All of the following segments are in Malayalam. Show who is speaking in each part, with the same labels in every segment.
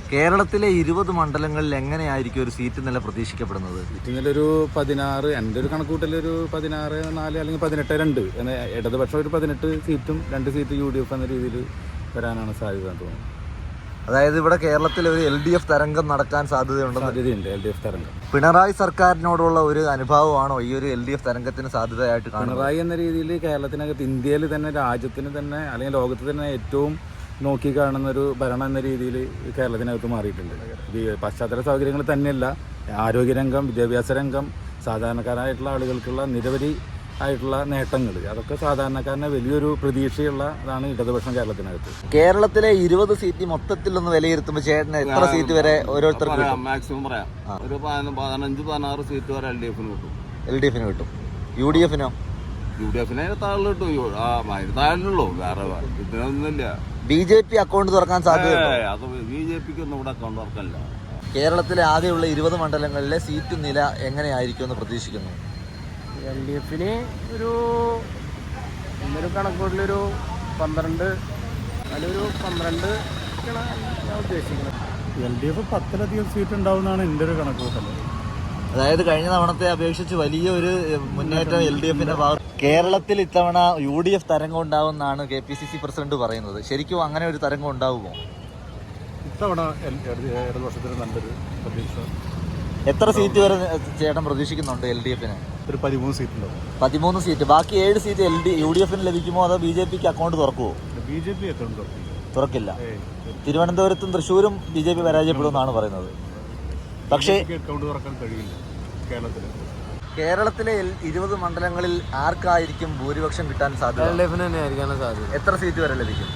Speaker 1: കേരളത്തിലെ 20 മണ്ഡലങ്ങളിൽ എങ്ങനെയായിരിക്കും ഒരു സീറ്റ് നില പ്രതീക്ഷിക്കപ്പെടുന്നത്?
Speaker 2: സീറ്റ് നില ഒരു 16, എൻ്റെ ഒരു കണക്കൂട്ടലൊരു 16, 4 അല്ലെങ്കിൽ 18, 2. ഇടതുപക്ഷം ഒരു 18 സീറ്റും 2 സീറ്റ് UDF എന്ന രീതിയിൽ വരാനാണ് സാധ്യത തോന്നുന്നത്.
Speaker 1: അതായത് ഇവിടെ കേരളത്തിൽ ഒരു LDF തരംഗം നടക്കാൻ സാധ്യതയുണ്ട്.
Speaker 2: LDF തരംഗം.
Speaker 1: പിണറായി സർക്കാരിനോടുള്ള ഒരു അനുഭാവമാണോ ഈ ഒരു LDF തരംഗത്തിന് സാധ്യതയായിട്ട് കാണുന്നത്?
Speaker 2: പിണറായി എന്ന രീതിയിൽ കേരളത്തിനകത്ത്, ഇന്ത്യയിൽ തന്നെ, രാജ്യത്തിന് തന്നെ അല്ലെങ്കിൽ ലോകത്ത് തന്നെ ഏറ്റവും നോക്കി കാണുന്ന ഒരു ഭരണം എന്ന രീതിയിൽ കേരളത്തിനകത്ത് മാറിയിട്ടുണ്ട്. പശ്ചാത്തല സൗകര്യങ്ങൾ തന്നെയല്ല, ആരോഗ്യരംഗം, വിദ്യാഭ്യാസ രംഗം, സാധാരണക്കാരായിട്ടുള്ള ആളുകൾക്കുള്ള നിരവധി ആയിട്ടുള്ള നേട്ടങ്ങൾ, അതൊക്കെ സാധാരണക്കാരനെ വലിയൊരു പ്രതീക്ഷയുള്ളതാണ് ഇടതുപക്ഷം കേരളത്തിനകത്ത്.
Speaker 1: കേരളത്തിലെ 20 സീറ്റ് മൊത്തത്തിൽ ഒന്ന് വിലയിരുത്തുമ്പോൾ ചേട്ടന് എത്ര സീറ്റ് വരെ ഓരോരുത്തർക്കും
Speaker 3: മാക്സിമം പറയാം? ഒരു 15-16 സീറ്റ് വരെ
Speaker 1: LDF കിട്ടും. UDF-നോ?
Speaker 3: UDF-നെ താഴെ കിട്ടും. താഴെയുള്ളൂ, വേറെ ഇതിനൊന്നുമില്ല.
Speaker 1: BJP അക്കൗണ്ട് തുറക്കാൻ സാധ്യത?
Speaker 3: അത് BJPക്ക് ഒന്നും ഇവിടെ അക്കൗണ്ട് തുറക്കല്ല.
Speaker 1: കേരളത്തിലെ ആകെയുള്ള 20 മണ്ഡലങ്ങളിലെ സീറ്റ് നില എങ്ങനെയായിരിക്കും എന്ന് പ്രതീക്ഷിക്കുന്നു?
Speaker 4: LDF-ന് ഒരു കണക്കൂട്ടിലൊരു 12, അതിലൊരു 12 ഞാൻ ഉദ്ദേശിക്കുന്നത്.
Speaker 2: LDF 10-ലധികം സീറ്റ് ഉണ്ടാവുന്നതാണ് എൻ്റെ ഒരു കണക്കൂട്ടൽ.
Speaker 1: അതായത് കഴിഞ്ഞ തവണത്തെ അപേക്ഷിച്ച് വലിയൊരു മുന്നേറ്റം LDF-ന്റെ ഭാഗത്ത്. കേരളത്തിൽ ഇത്തവണ UDF തരംഗം ഉണ്ടാവുമെന്നാണ് KPCC പ്രസിഡന്റ് പറയുന്നത്. ശരിക്കും അങ്ങനെ ഒരു തരംഗം ഉണ്ടാവുമോ?
Speaker 2: ഇത്തവണ ഇടതുപക്ഷത്തിന് നല്ലൊരു പ്രതീക്ഷ.
Speaker 1: എത്ര സീറ്റ് വരെ ചേട്ടൻ പ്രതീക്ഷിക്കുന്നുണ്ട് LDF-ന്?
Speaker 2: ഒരു 13 സീറ്റ് ഉണ്ടാവും.
Speaker 1: 13 സീറ്റ്. ബാക്കി 7 സീറ്റ് UDF-ന് ലഭിക്കുമോ അതോ BJPക്ക് അക്കൗണ്ട് തുറക്കുമോ?
Speaker 2: BJP അക്കൗണ്ട്
Speaker 1: തുറക്കില്ല. തിരുവനന്തപുരത്തും തൃശ്ശൂരും BJP പരാജയപ്പെടുമെന്നാണ് പറയുന്നത്. പക്ഷേ
Speaker 2: അക്കൗണ്ട് തുറക്കാൻ കഴിയില്ല
Speaker 1: കേരളത്തിലെ 20 മണ്ഡലങ്ങളിൽ ആർക്കായിരിക്കും ഭൂരിപക്ഷം കിട്ടാൻ സാധ്യത?
Speaker 4: LDF-ന് തന്നെയായിരിക്കാനും സാധ്യത.
Speaker 1: എത്ര സീറ്റ് വരെ ലഭിക്കും?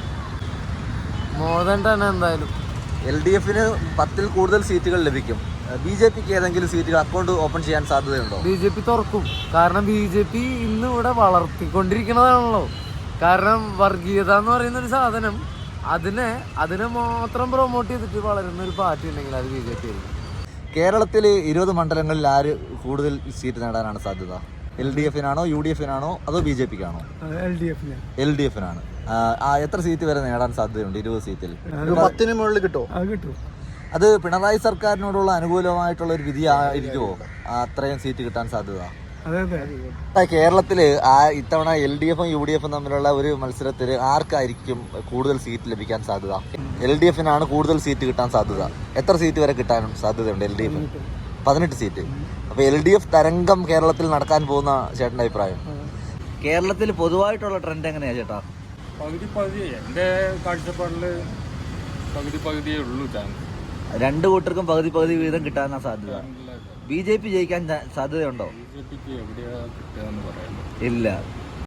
Speaker 4: മോദൻ എന്തായാലും
Speaker 1: LDF-ന് 10-ൽ കൂടുതൽ സീറ്റുകൾ ലഭിക്കും. BJPക്ക് ഏതെങ്കിലും സീറ്റുകൾ അക്കൗണ്ട് ഓപ്പൺ ചെയ്യാൻ സാധ്യതയുണ്ടോ?
Speaker 4: BJP തുറക്കും. കാരണം BJP ഇന്ന് ഇവിടെ വളർത്തിക്കൊണ്ടിരിക്കുന്നതാണല്ലോ. കാരണം വർഗീയത എന്ന് പറയുന്ന ഒരു സാധനം, അതിനെ മാത്രം പ്രൊമോട്ട് ചെയ്തിട്ട് വളരുന്ന ഒരു പാർട്ടി ഉണ്ടെങ്കിൽ അത് BJP ആയിരിക്കും.
Speaker 1: കേരളത്തിൽ 20 മണ്ഡലങ്ങളിൽ ആര് കൂടുതൽ സീറ്റ് നേടാനാണ് സാധ്യത? LDF-നാണോ UDF-നാണോ അതോ BJPക്കാണോ? LDF-നാണ്. എത്ര സീറ്റ് വരെ നേടാൻ സാധ്യതയുണ്ട് 20 സീറ്റിൽ?
Speaker 4: 10-ന് മുകളിൽ കിട്ടും.
Speaker 1: അത് പിണറായി സർക്കാരിനോടുള്ള അനുകൂലമായിട്ടുള്ള ഒരു വിധി ആയിരിക്കുമോ അത്രയും സീറ്റ് കിട്ടാൻ സാധ്യത? കേരളത്തിൽ ഇത്തവണ LDF-ഉം UDF-ഉം തമ്മിലുള്ള ഒരു മത്സരത്തിൽ ആർക്കായിരിക്കും കൂടുതൽ സീറ്റ് ലഭിക്കാൻ സാധ്യത? LDF-നാണ് കൂടുതൽ സീറ്റ് കിട്ടാൻ സാധ്യത. എത്ര സീറ്റ് വരെ കിട്ടാനും സാധ്യതയുണ്ട് LDF-ന്? 18 സീറ്റ്. അപ്പോൾ LDF തരംഗം കേരളത്തിൽ നടക്കാൻ പോകുന്ന ചേട്ടൻ്റെ അഭിപ്രായം? കേരളത്തിൽ പൊതുവായിട്ടുള്ള ട്രെൻഡ് എങ്ങനെയാ ചേട്ടാ?
Speaker 2: പകുതി എൻ്റെ കാഴ്ചപ്പാടിൽ പകുതിയേ ഉള്ളൂ ചാൻസ്.
Speaker 1: രണ്ട് കൂട്ടർക്കും പകുതി വീതം കിട്ടാനാണ് സാധ്യത. BJP ജയിക്കാൻ സാധ്യതയുണ്ടോ?
Speaker 2: BJPക്ക് എവിടെയാ കിട്ടുക എന്ന് പറയാൻ
Speaker 1: ഇല്ല.